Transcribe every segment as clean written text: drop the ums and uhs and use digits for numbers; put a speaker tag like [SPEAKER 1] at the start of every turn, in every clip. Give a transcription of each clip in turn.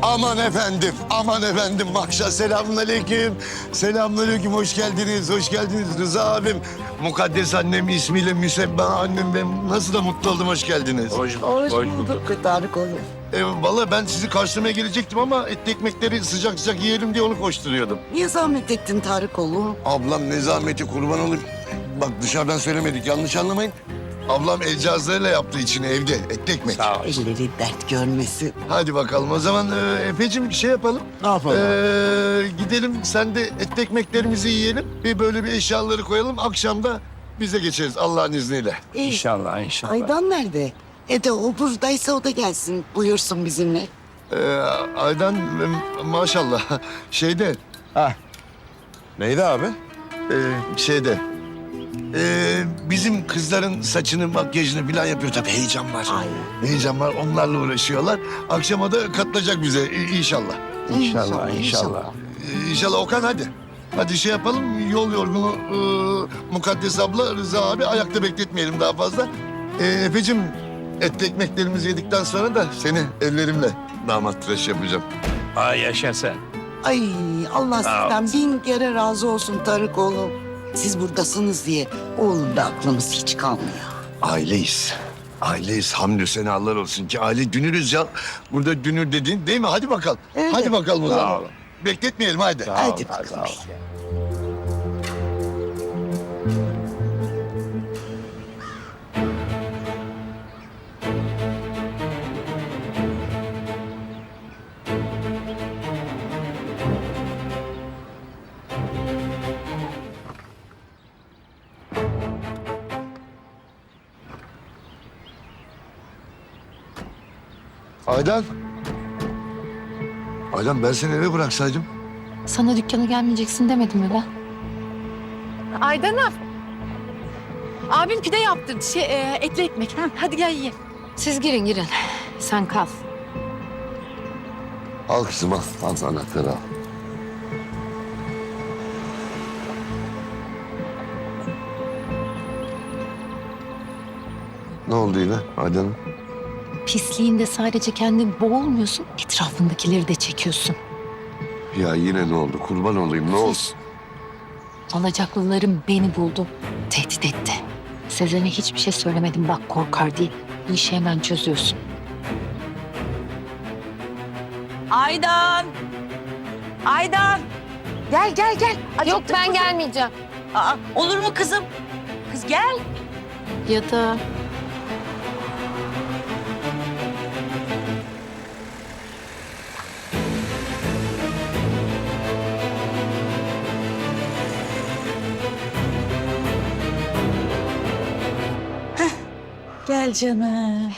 [SPEAKER 1] Aman efendim. Maşallah, selamünaleyküm. Selamünaleyküm, hoş geldiniz, hoş geldiniz Rıza abim. Mukaddes annem ismiyle Müsebba annem, ben nasıl da mutlu oldum, hoş geldiniz.
[SPEAKER 2] Hoş bulduk Tarık oğlum.
[SPEAKER 1] Vallahi ben sizi karşılamaya gelecektim ama etli ekmekleri sıcak sıcak yiyelim diye onu koşturuyordum.
[SPEAKER 2] Niye zahmet ettin Tarık oğlum?
[SPEAKER 1] Ablam ne zahmeti, kurban olayım. Bak dışarıdan söylemedik, yanlış anlamayın. Ablam el cihazlarıyla yaptı içini evde, etli ekmek.
[SPEAKER 3] Sağ ol.
[SPEAKER 2] Elleri dert görmesin.
[SPEAKER 1] Hadi bakalım o zaman Efe'cim şey yapalım.
[SPEAKER 3] Ne yapalım?
[SPEAKER 1] Gidelim, sen de etli ekmeklerimizi yiyelim. Bir böyle bir eşyaları koyalım. Akşam da bize geçeriz Allah'ın izniyle.
[SPEAKER 3] İnşallah, inşallah.
[SPEAKER 2] Aydan nerede? O buradaysa o da gelsin, buyursun bizimle.
[SPEAKER 1] Aydan maşallah şeyde,
[SPEAKER 3] Ha. Neydi abi?
[SPEAKER 1] şeyde. Bizim kızların saçını, makyajını falan yapıyor tabii. Heyecan var.
[SPEAKER 2] Ay.
[SPEAKER 1] Heyecan var. Onlarla uğraşıyorlar. Akşama da katılacak bize inşallah.
[SPEAKER 3] İnşallah.
[SPEAKER 1] İnşallah Okan hadi. Hadi şey yapalım. Yol yorgunu Mukaddes abla, Rıza abi ayakta bekletmeyelim daha fazla. Efe'cim etli ekmeklerimizi yedikten sonra da seni ellerimle damat tıraşı yapacağım.
[SPEAKER 3] Ay yaşa sen.
[SPEAKER 2] Ay Allah
[SPEAKER 3] Sağ
[SPEAKER 2] sizden bin kere razı olsun Tarık oğlum. Siz buradasınız diye oğlum da aklımız hiç kalmıyor.
[SPEAKER 1] Aileyiz. Aileyiz. Hamdü senalar olsun ki aile dünürüz ya. Burada dünür dediğin değil mi? Hadi bakalım.
[SPEAKER 2] Evet.
[SPEAKER 1] Hadi bakalım o
[SPEAKER 3] Sağ
[SPEAKER 1] zaman.
[SPEAKER 3] olun.
[SPEAKER 1] Bekletmeyelim hadi.
[SPEAKER 2] Hadi
[SPEAKER 3] Sağ ol,
[SPEAKER 2] bakalım.
[SPEAKER 3] sağ ol.
[SPEAKER 1] Aydan. Aydan ben seni eve bıraksaydım.
[SPEAKER 4] Sana dükkana gelmeyeceksin demedim mi ben?
[SPEAKER 5] Aydan'ım. Abim pide yaptırdı. Etli ekmek. Ha, hadi gel yiyelim.
[SPEAKER 4] Siz girin. Sen kal.
[SPEAKER 1] Al kızım al. Al anahtarı al. Ne oldu yine Aydan'ım?
[SPEAKER 4] Pisliğinde sadece kendin boğulmuyorsun, etrafındakileri de çekiyorsun.
[SPEAKER 1] Ya yine ne oldu? Kurban olayım ne oldu?
[SPEAKER 4] Alacaklılarım beni buldu, tehdit etti. Sezen'e hiçbir şey söylemedim bak korkar diye. Bu işi hemen çözüyorsun.
[SPEAKER 5] Aydan. Aydan. Gel.
[SPEAKER 4] Yok ben gelmeyeceğim.
[SPEAKER 5] Aa, olur mu kızım? Kız gel.
[SPEAKER 4] Ya da
[SPEAKER 5] Gel canım.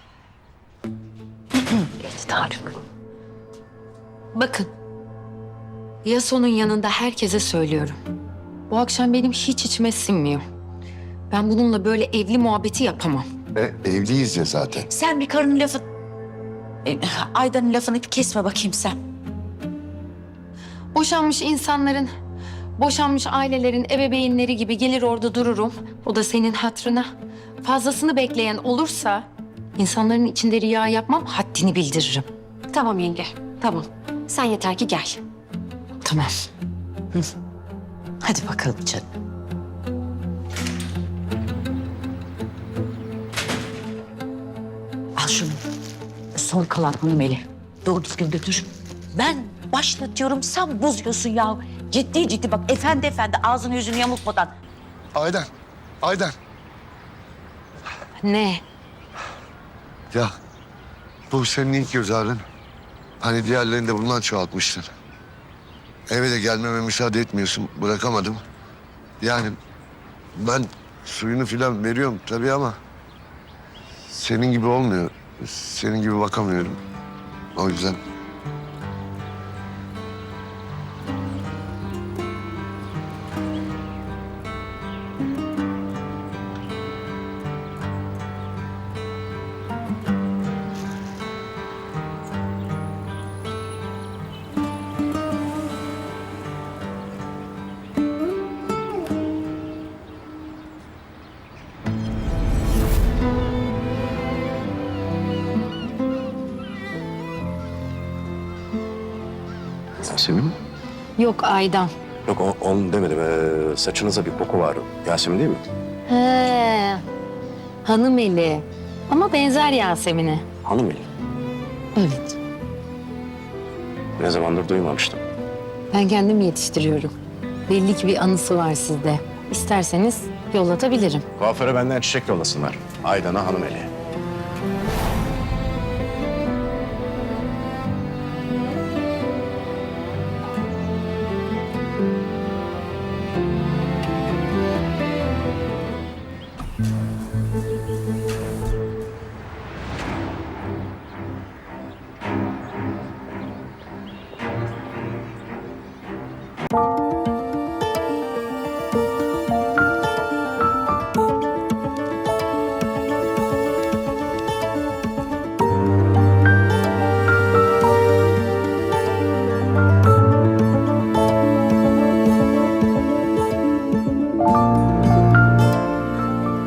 [SPEAKER 4] Tarık. Bakın. Yaso'nun yanında herkese söylüyorum. Bu akşam benim hiç içime sinmiyor. Ben bununla böyle evli muhabbeti yapamam.
[SPEAKER 1] Evliyiz ya zaten.
[SPEAKER 5] Sen bir karının lafı... Aydan'ın lafını bir kesme bakayım sen.
[SPEAKER 4] Boşanmış insanların, boşanmış ailelerin ebeveynleri gibi gelir orada dururum. O da senin hatırına. Fazlasını bekleyen olursa insanların içinde riya yapmam, haddini bildiririm.
[SPEAKER 5] Tamam yenge. Tamam. Sen yeter ki gel.
[SPEAKER 4] Tamam.
[SPEAKER 5] Hadi bakalım canım. Al şunu. Son kalan Melih. Doğru düzgün götür. Ben başlatıyorum, sen bozuyorsun ya. Ciddi bak, efendi ağzını yüzünü yamultmadan.
[SPEAKER 1] Aydan.
[SPEAKER 4] Ne?
[SPEAKER 1] Ya bu senin ilk göz ağrın. Hani diğerlerini de bundan çoğaltmıştın. Eve de gelmeme müsaade etmiyorsun. Bırakamadım. Yani ben suyunu filan veriyorum tabii ama... senin gibi olmuyor. Senin gibi bakamıyorum. O yüzden...
[SPEAKER 6] Yasemin mi?
[SPEAKER 4] Yok Aydan.
[SPEAKER 6] Yok onu demedim. Saçınızda bir koku var. Yasemin değil mi?
[SPEAKER 4] He. Hanım eli. Ama benzer Yasemin'e.
[SPEAKER 6] Hanım eli.
[SPEAKER 4] Evet.
[SPEAKER 6] Ne zamandır duymamıştım.
[SPEAKER 4] Ben kendim yetiştiriyorum. Belli ki bir anısı var sizde. İsterseniz yollatabilirim.
[SPEAKER 6] Kuaföre benden çiçek yollasınlar. Aydan'a hanım eli.